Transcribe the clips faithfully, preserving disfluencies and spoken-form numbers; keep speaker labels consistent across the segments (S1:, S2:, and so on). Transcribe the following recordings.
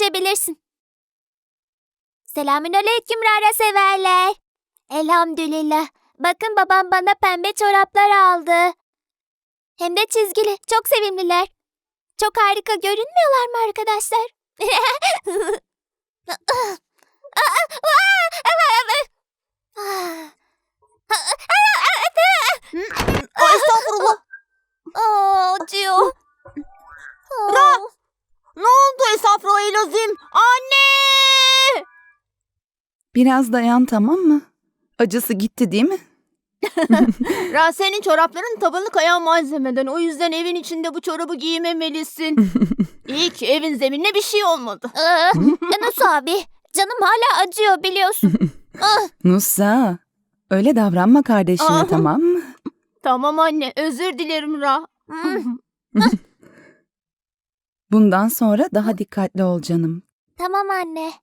S1: geçebilirsin. Selamünaleyküm Rara severler. Elhamdülillah. Bakın babam bana pembe çoraplar aldı. Hem de çizgili. Çok sevimliler. Çok harika görünmüyorlar mı arkadaşlar?
S2: Estağfurullah.
S1: Aa, acıyor.
S2: Ra! Ne oldu Estağfirullahalazim? Anne!
S3: Biraz dayan, tamam mı? Acısı gitti değil mi?
S2: Ra, senin çorapların tabanı kayan malzemeden. O yüzden evin içinde bu çorabı giymemelisin. İyi ki evin zeminine bir şey olmadı.
S1: Ee, Nasıl abi? Canım hala acıyor biliyorsun. Ah,
S3: Nusa, öyle davranma kardeşine,
S2: Aa.
S3: tamam mı?
S2: Tamam anne, özür dilerim Ra.
S1: hmm,
S3: Bundan sonra daha dikkatli ol canım.
S1: tamam anne.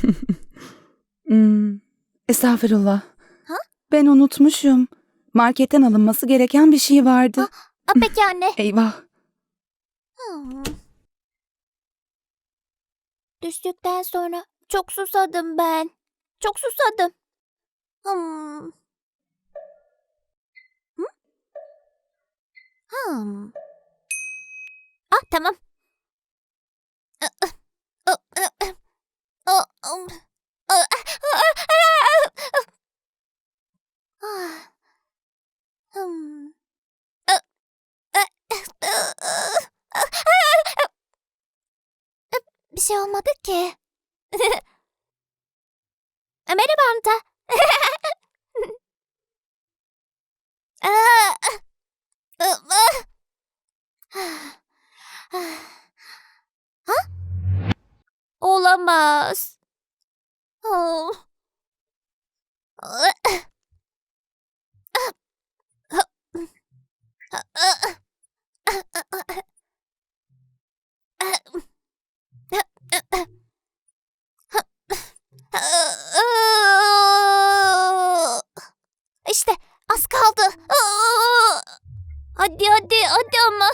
S3: Hmm. Estağfurullah.
S1: Ha?
S3: Ben unutmuşum. Marketten alınması gereken bir şey vardı.
S1: Aa, peki anne.
S3: Eyvah.
S1: Hmm. Düştükten sonra çok susadım ben. Çok susadım. Hmm. Hı? Hmm. Ah, tamam. Hmm. Bir şey olmadı ki. Merhaba Anta. Ha? Olamaz. Oh. İşte az kaldı. Hadi hadi hadi ama.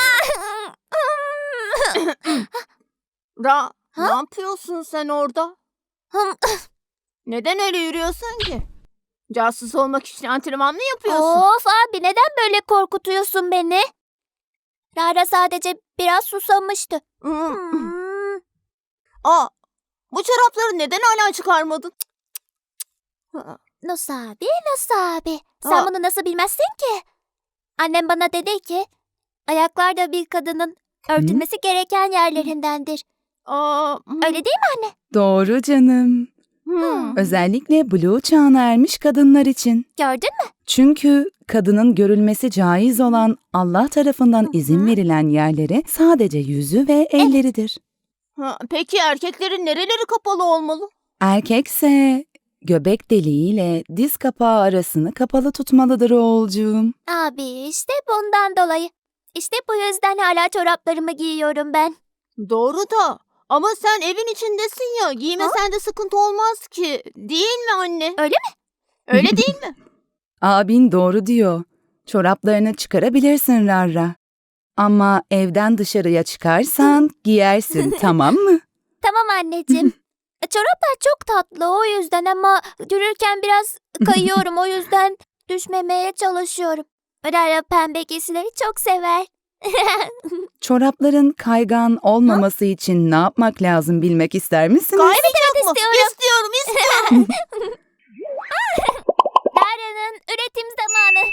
S2: Ra,
S1: Ha?
S2: ne yapıyorsun sen orada? Neden öyle yürüyorsun ki? Casus olmak için antrenman mı yapıyorsun?
S1: Of abi, neden böyle korkutuyorsun beni? Rara sadece biraz susamıştı.
S2: Hmm.
S1: Hmm.
S2: Aa, bu çorapları neden hala çıkarmadın?
S1: Nasıl abi, nasıl abi? Sen
S2: Aa.
S1: bunu nasıl bilmezsin ki? Annem bana dedi ki, ayaklar da bir kadının örtülmesi gereken yerlerindendir.
S2: Aa, hmm.
S1: Öyle değil mi anne?
S3: Doğru canım.
S2: Hmm.
S3: Özellikle Blue çağına ermiş kadınlar için.
S1: Gördün mü?
S3: Çünkü kadının görülmesi caiz olan Allah tarafından izin verilen yerleri sadece yüzü ve elleridir.
S2: Ha, peki erkeklerin nereleri kapalı olmalı?
S3: Erkekse göbek deliğiyle diz kapağı arasını kapalı tutmalıdır oğulcuğum.
S1: Abi işte bundan dolayı. İşte bu yüzden hala çoraplarımı giyiyorum ben.
S2: Doğru da ama sen evin içindesin ya, giymesen de sıkıntı olmaz ki. Değil mi anne?
S1: Öyle
S2: mi? Öyle değil mi?
S3: Abin doğru diyor. Çoraplarını çıkarabilirsin Rarra. Ama evden dışarıya çıkarsan giyersin, tamam mı?
S1: Tamam anneciğim. E, Çoraplar çok tatlı o yüzden ama yürürken biraz kayıyorum, o yüzden düşmemeye çalışıyorum. Rara pembe giysileri çok sever.
S3: Çorapların kaygan olmaması için ne yapmak lazım bilmek ister misiniz?
S2: Gayet yok mu?
S1: istiyorum.
S2: İstiyorum, istiyorum.
S1: Rara'nın üretim zamanı.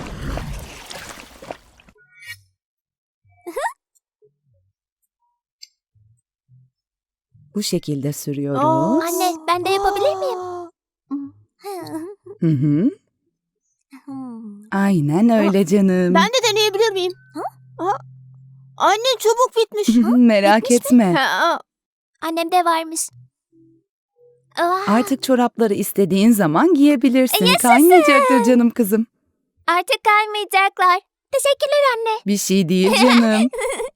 S3: Bu şekilde sürüyoruz.
S2: Aa.
S1: Anne, ben de yapabilir miyim?
S2: Aa.
S3: Hı hı.
S1: Hmm.
S3: Aynen öyle canım.
S2: Ben de deneyebilir miyim? Ha? Anne, çubuk bitmiş.
S3: Merak etme.
S2: Ha,
S1: Annemde varmış. Ah,
S3: Artık çorapları istediğin zaman giyebilirsin.
S1: Yaşasın.
S3: Kaymayacaktır canım kızım.
S1: artık kaymayacaklar. Teşekkürler anne.
S3: Bir şey değil canım.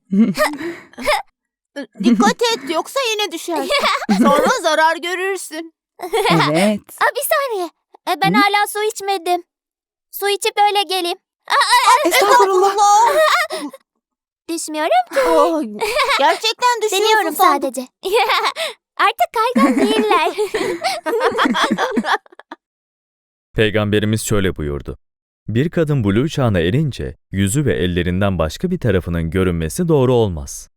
S2: dikkat et, yoksa yine düşersin. Sonra zarar görürsün.
S3: Evet.
S1: Aa, bir saniye. E, ben
S3: Hı?
S1: hala su içmedim. Su içip öyle geleyim.
S3: Estağfurullah.
S1: Düşmüyorum ki.
S2: Oh, gerçekten düşünüyorsun
S1: Deniyorum
S2: sandım.
S1: sadece. Artık kaygan değiller.
S4: Peygamberimiz şöyle buyurdu. Bir kadın buluğ çağına erince yüzü ve ellerinden başka bir tarafının görünmesi doğru olmaz.